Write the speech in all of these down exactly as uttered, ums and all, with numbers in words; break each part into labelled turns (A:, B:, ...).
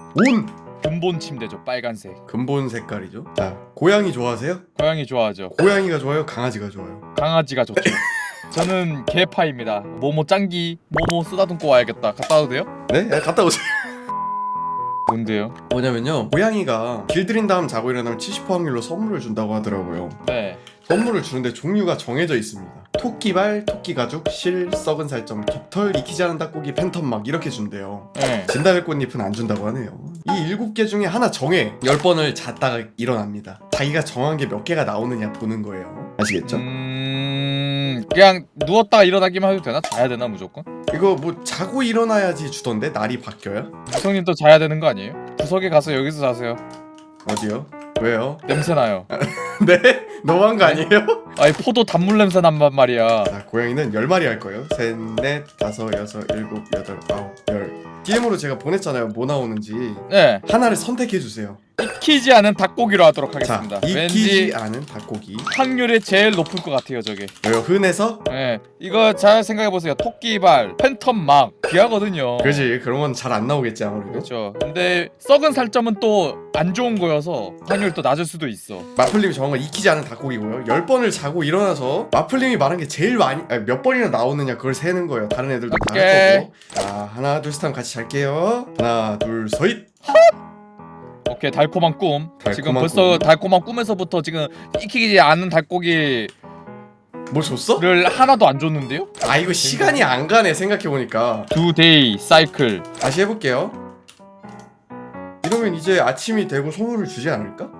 A: 온!
B: 근본 침대죠. 빨간색.
A: 근본 색깔이죠. 자, 고양이 좋아하세요?
B: 고양이 좋아하죠.
A: 고양이가 좋아요? 강아지가 좋아요?
B: 강아지가 좋죠. 저는 개파입니다. 모모 짱기, 모모 쓰다듬고 와야겠다. 갔다 와도 돼요?
A: 네? 야, 갔다 오세요.
B: 뭔데요?
A: 뭐냐면요, 고양이가 길들인 다음 자고 일어나면 칠십 퍼센트 확률로 선물을 준다고 하더라고요.
B: 네.
A: 선물을 주는데 종류가 정해져 있습니다. 토끼발, 토끼가죽, 실, 썩은 살점, 깃털, 익히지 않은 닭고기, 팬텀막 이렇게 준대요.
B: 네.
A: 진달래 꽃잎은 안 준다고 하네요. 이 일곱 개 중에 하나 정해 열 번을 잤다가 일어납니다. 자기가 정한 게 몇 개가 나오느냐 보는 거예요. 아시겠죠?
B: 음... 그냥 누웠다가 일어나기만 해도 되나? 자야 되나 무조건?
A: 이거 뭐 자고 일어나야지 주던데 날이 바뀌어요?
B: 구성님 또 자야 되는 거 아니에요? 구석에 가서 여기서 자세요.
A: 어디요? 왜요?
B: 냄새 나요.
A: 네? 너무한 거 아니에요?
B: 아니 포도 단물 냄새 난단 말이야.
A: 자, 고양이는 열 마리 할 거예요. 셋, 넷, 다섯, 여섯, 일곱, 여덟, 아홉, 열. 디엠으로 제가 보냈잖아요. 뭐 나오는지.
B: 네.
A: 하나를 선택해 주세요.
B: 익히지 않은 닭고기로 하도록 하겠습니다.
A: 자, 익히지
B: 왠지
A: 않은 닭고기.
B: 확률이 제일 높을 것 같아요, 저게.
A: 왜요? 흔해서?
B: 네. 이거 잘 생각해 보세요. 토끼발, 팬텀막 귀하거든요.
A: 그지, 그런 건 잘 안 나오겠지 아무래도.
B: 그렇죠. 근데 썩은 살점은 또 안 좋은 거여서 확률이 또 낮을 수도 있어.
A: 마플님이 정한 건 익히지 않은 닭고기고요. 열 번을 자고 일어나서 마플님이 말한 게 제일 많이, 아니, 몇 번이나 나오느냐 그걸 세는 거예요. 다른 애들도 다 할
B: 오케이.
A: 거고. 자, 하나 둘 셋 하면 같이 잘게요. 하나 둘 셋.
B: 오케이, 달콤한 꿈.
A: 달콤한
B: 지금 벌써
A: 꿈.
B: 달콤한 꿈에서부터 지금 익히지 않은 닭고기를
A: 뭐 줬어?
B: 하나도 안 줬는데요?
A: 아, 이거 시간이 안 가네 생각해보니까.
B: 두 데이 사이클.
A: 다시 해볼게요. 이러면 이제 아침이 되고 선물을 주지 않을까?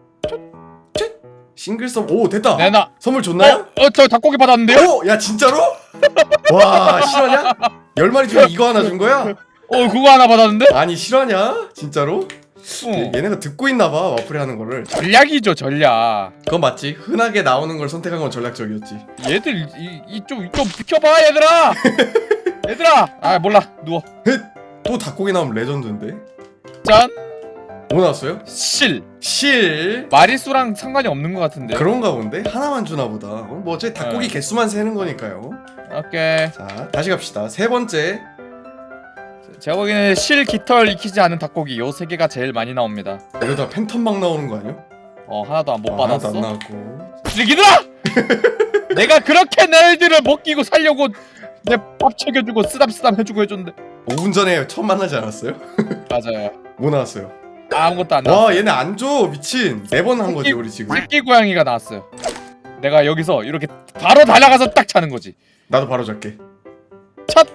A: 싱글 썸. 오, 됐다.
B: 내놔.
A: 선물 줬나요?
B: 어, 어, 저 닭고기 받았는데요?
A: 오, 야 진짜로? 와, 실화냐? 열 마리 중에 이거 하나 준 거야?
B: 어, 그거 하나 받았는데?
A: 아니 실화냐? 진짜로?
B: 어.
A: 얘, 얘네가 듣고 있나봐 와플이 하는 거를.
B: 전략이죠, 전략.
A: 그건 맞지. 흔하게 나오는 걸 선택한 건 전략적이었지.
B: 얘들 이좀 좀 비켜봐, 얘들아. 얘들아. 아, 몰라. 누워.
A: 헷! 또 닭고기 나오면 레전드인데.
B: 짠.
A: 뭐 나왔어요?
B: 실.
A: 실.
B: 마리수랑 상관이 없는 것 같은데.
A: 그런가 본데? 하나만 주나 보다. 어, 뭐 어차피 닭고기
B: 네.
A: 개수만 세는 거니까요.
B: 오케이.
A: 자, 다시 갑시다. 세 번째.
B: 제가 보기에는 실, 깃털 익히지 않은 닭고기 요 세 개가 제일 많이 나옵니다.
A: 이러다 팬텀막 나오는 거 아니야?
B: 어, 하나도 안 못
A: 아,
B: 받았어.
A: 하나도 안 나왔고.
B: 쓰레기들아! 내가 그렇게 너희들을 먹이고 살려고 내 밥 챙겨주고 쓰담쓰담 해주고 해줬는데.
A: 오 분 전에 처음 만나지 않았어요?
B: 맞아요.
A: 뭐 나왔어요?
B: 아무것도 안 나왔어.
A: 와, 얘네 안 줘. 미친. 네 번 한 거지 우리 지금.
B: 새끼 고양이가 나왔어요. 내가 여기서 이렇게 바로 달려가서 딱 차는 거지.
A: 나도 바로 잡게.
B: 첫!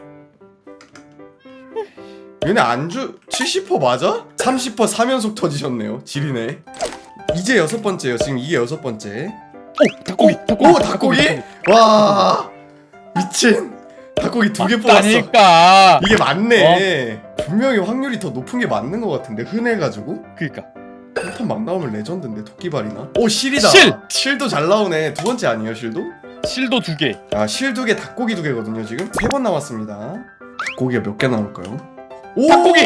A: 얘네 안주 칠십 퍼센트 맞아? 삼십 퍼센트 삼 연속 터지셨네요. 지리네. 이제 여섯 번째요. 지금 이게 여섯 번째.
B: 오! 닭고기! 닭고기!
A: 오, 닭고기? 와, 미친. 닭고기 두 개 뽑았어.
B: 맞다니까.
A: 이게 맞네. 분명히 확률이 더 높은 게 맞는 것 같은데 흔해가지고.
B: 그니까.
A: 팬텀 막 나오면 레전드인데 토끼발이나. 오, 실이다.
B: 실!
A: 실도 잘 나오네. 두 번째 아니에요 실도?
B: 실도 두 개.
A: 아, 실 두 개, 닭고기 두 개거든요 지금. 세 번 남았습니다. 닭고기가 몇 개 나올까요? 오!
B: 닭고기!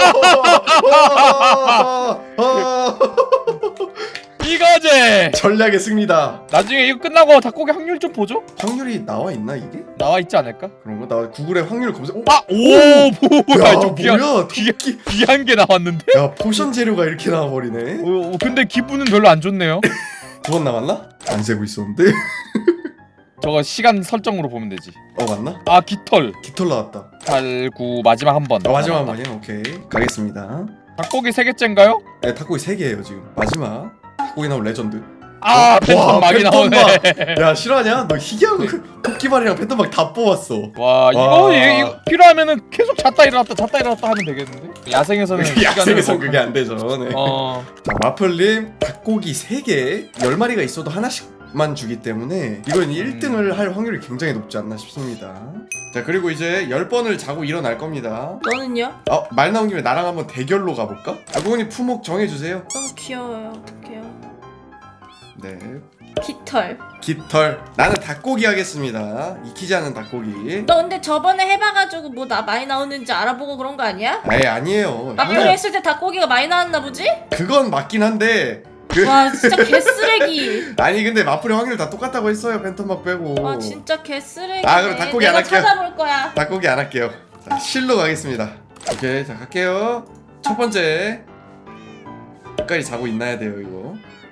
B: 이거지!
A: 전략의 승리다.
B: 나중에 이거 끝나고 닭고기 확률 좀 보죠?
A: 확률이 나와 있나 이게?
B: 나와 있지 않을까?
A: 그런 거? 나 구글에 확률 검색. 오!
B: 아! 오! 뭐야,
A: 야,
B: 좀 귀한,
A: 뭐야?
B: 귀한,
A: 토끼.
B: 귀한 게 나왔는데?
A: 야, 포션 재료가 이렇게 나와 버리네.
B: 어, 어, 근데 기분은 별로 안 좋네요.
A: 두 번 남았나? 안 세고 있었는데.
B: 저거 시간 설정으로 보면 되지.
A: 어, 맞나?
B: 아, 깃털.
A: 깃털 나왔다.
B: 팔, 구, 마지막 한 번.
A: 어, 마지막 한 번이야. 오케이. 가겠습니다.
B: 닭고기 세 개째인가요?
A: 네, 닭고기 세 개예요 지금. 마지막. 닭고기 나온 레전드.
B: 아,
A: 와,
B: 팬텀 막이 나오네.
A: 팬텀막. 야, 실화냐? 너 희귀한 거 토끼발이랑 팬텀막 다 뽑았어.
B: 와, 이거, 이- 이거 필요하면은 계속 잤다 일어났다 잤다 일어났다 하면 되겠는데? 야생에서는
A: 야생에선
B: 시간을
A: 그게 안 되죠. 네.
B: 어,
A: 자, 마플님 닭고기 세 개, 열 마리가 있어도 하나씩만 주기 때문에 이건 일 등을 할 확률이 굉장히 높지 않나 싶습니다. 자, 그리고 이제 열 번을 자고 일어날 겁니다.
C: 너는요?
A: 어, 말 나온 김에 나랑 한번 대결로 가볼까? 아고님 품목 정해주세요.
C: 너무 귀여워요. 어떡해요?
A: 네.
C: 깃털.
A: 깃털. 나는 닭고기 하겠습니다. 익히지 않은 닭고기.
C: 너 근데 저번에 해봐가지고 뭐 나 많이 나오는지 알아보고 그런 거 아니야?
A: 아예 아니에요.
C: 마플
A: 그냥
C: 했을 때 닭고기가 많이 나왔나 보지?
A: 그건 맞긴 한데 그
C: 와 진짜 개쓰레기.
A: 아니 근데 마플의 확률 다 똑같다고 했어요. 팬텀막 빼고.
C: 와 진짜 개쓰레기.
A: 아, 그럼 닭고기 안
C: 내가
A: 할게요.
C: 찾아볼 거야.
A: 닭고기 안 할게요. 자, 실로 가겠습니다. 오케이, 자 갈게요. 첫 번째 끝까지 자고 있나야 돼요 이거.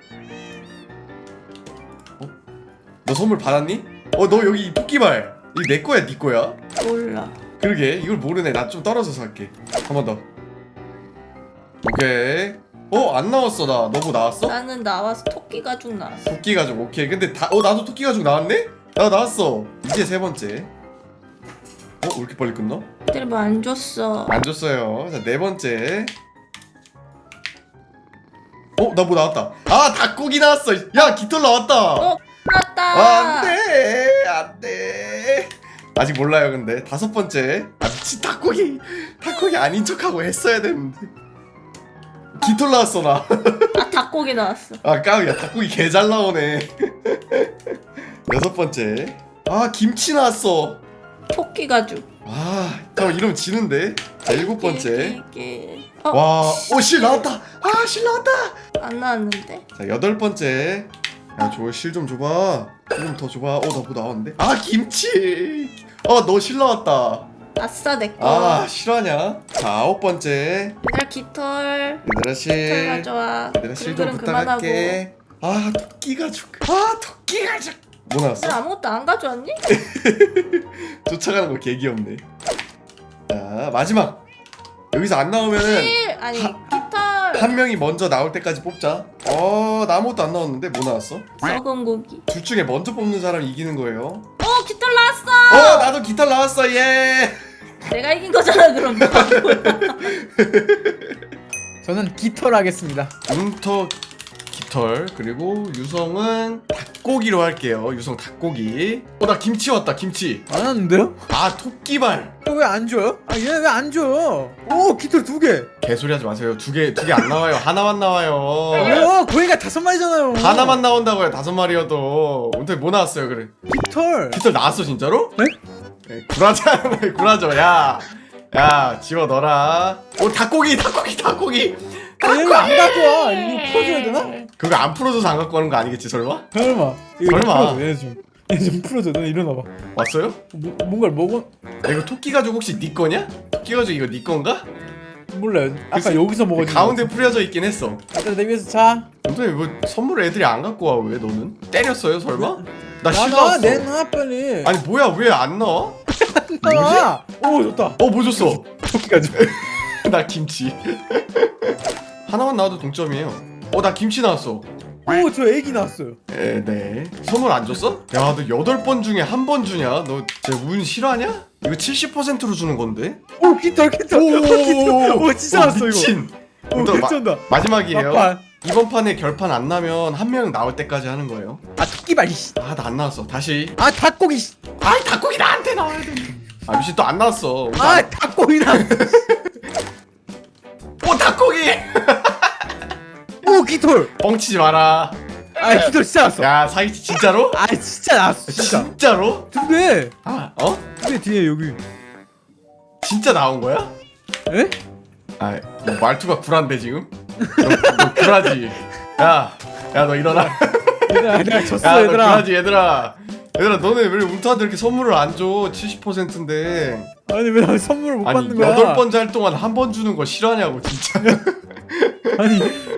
A: 어? 너 선물 받았니? 어 너 여기 토끼발 이거 내 거야 네 거야?
C: 몰라.
A: 그러게 이걸 모르네. 나 좀 떨어져서 할게. 한 번 더. 오케이. 어 안 나왔어. 나 너무 나왔어?
C: 나는 나와서 토끼 가죽 나왔어.
A: 토끼 가죽 오케이. 근데 다 어 나도 토끼 가죽 나왔네? 나 나왔어. 이제 세 번째. 어 왜 이렇게 빨리 끝나?
C: 애들이 뭐 안 줬어.
A: 안 줬어요. 자 네 번째. 어 나 뭐 나왔다. 아 닭고기 나왔어. 야 깃털 나왔다.
C: 어 나왔다.
A: 아, 안돼 안돼. 아직 몰라요. 근데 다섯 번째. 아 미친 닭고기 닭고기 아닌 척하고 했어야 되는데. 깃털 나왔어 나.
C: 아 닭고기 나왔어.
A: 아 까우야 닭고기 개 잘 나오네. 여섯 번째. 아 김치 나왔어.
C: 토끼 가죽.
A: 아 잠깐 이러면 지는데. 자 일곱 번째.
C: 이게 어?
A: 와오실 나왔다. 아 실 나왔다.
C: 안 나왔는데.
A: 자 여덟 번째. 야 저 실 좀 줘봐. 실 좀 더 줘봐. 어나 뭐 나왔는데. 아 김치. 어 너 실 나왔다.
C: 아싸 내 거.
A: 아 실화냐? 자 아홉 번째.
C: 얘들아 깃털.
A: 얘들아
C: 깃털
A: 실.
C: 가져와.
A: 얘들아 실 좀
C: 그릇은 그만하고.
A: 부탁할게. 아 토끼 가죽. 아 토끼 가죽. 뭐 나왔어?
C: 얘들 아무것도 안 가져왔니?
A: 쫓아가는 거 개 귀엽네. 자 마지막. 여기서 안 나오면은
C: 실 아니
A: 하-
C: 깃털.
A: 한 명이 먼저 나올 때까지 뽑자. 어, 나 아무것도 안 나왔는데 뭐 나왔어?
C: 썩은 고기.
A: 둘 중에 먼저 뽑는 사람이 이기는 거예요.
C: 어 깃털 나왔어.
A: 어, 나도 깃털 나왔어. 예.
C: 내가 이긴 거잖아 그럼.
B: 저는 깃털 하겠습니다.
A: 문터 깃털 그리고 유성은 닭고기로 할게요. 유성 닭고기. 어, 나 김치 왔다. 김치.
B: 안 왔는데요?
A: 아, 토끼발.
B: 왜 안 줘요? 아 얘 왜 안 줘요? 오 깃털 두 개.
A: 개소리 하지 마세요. 두 개, 두 개 안 나와요. 하나만 나와요.
B: 왜요? 고양이가 다섯 마리잖아요.
A: 하나만 나온다고요. 다섯 마리여도. 오늘 뭐 나왔어요, 그래?
B: 깃털.
A: 깃털 나왔어, 진짜로?
B: 네?
A: 네, 구라자, 구라져. 야, 야, 집어 넣어라. 오, 닭고기, 닭고기, 닭고기.
B: 아, 얘가 안 가져와. 이거 풀어줘야 되나?
A: 그거 안 풀어줘서 안 갖고 가는 거 아니겠지, 설마?
B: 설마. 이거
A: 설마.
B: 풀어줘, 얘 좀. 얘 좀 풀어줘. 너 일어나봐.
A: 왔어요?
B: 뭐, 뭔가를 먹어?
A: 야, 이거 토끼 가죽 혹시 네 거냐? 토끼 가죽 이거 네 건가?
B: 몰라요. 아까
A: 글쎄,
B: 여기서 먹어진
A: 가운데 뿌려져 있긴 했어.
B: 일단 내 위에서 자.
A: 근데 뭐 선물을 애들이 안 갖고 와 왜 너는? 때렸어요 설마? 나
B: 나가
A: 실망했어.
B: 내놔 빨리.
A: 아니 뭐야 왜 안 나와?
B: 나와. 오 좋다.
A: 어 뭐 줬어?
B: 토끼까지.
A: 나 김치. 하나만 나와도 동점이에요. 어 나 김치 나왔어.
B: 오저 애기 나왔어요.
A: 에, 네. 선물 안 줬어? 야 너 여덟 번 중에 한 번 주냐? 너 진짜 운 실화냐? 이거 칠십 퍼센트로 주는 건데?
B: 오 깃털 깃털. 깃털. 오 진짜 나왔어 이거.
A: 미친.
B: 오
A: 또 마-
B: 괜찮다.
A: 마지막이에요.
B: 막판.
A: 이번 판에 결판 안 나면 한 명 나올 때까지 하는 거예요.
B: 아 토끼발. 이씨.
A: 아 나 안 나왔어. 다시.
B: 아 닭고기. 씨.
A: 아이 닭고기 나한테 나와야 돼. 아 미친 또 안 나왔어.
B: 아 닭고기 나.
A: 오 닭고기.
B: 오 깃털.
A: 뻥치지 마라.
B: 아 깃털 진짜 나왔어.
A: 야 사기치 진짜로?
B: 아 진짜 나왔어 진짜.
A: 진짜로?
B: 두 개.
A: 아 어?
B: 두 개 뒤에 여기.
A: 진짜 나온 거야?
B: 에?
A: 아 너 말투가 굴한데 지금? 너, 너 굴하지. 야, 야 너 일어나.
B: 얘들아 내가 졌어
A: 야 너
B: 얘들아.
A: 굴하지 얘들아. 얘들아 너네 왜 운터한테 이렇게 선물을 안 줘? 칠십 퍼센트인데.
B: 아니 왜 나 선물을 못
A: 아니
B: 받는 거야?
A: 여덟 번째 할 동안 한 번 주는 거 싫어하냐고 진짜.
B: 아니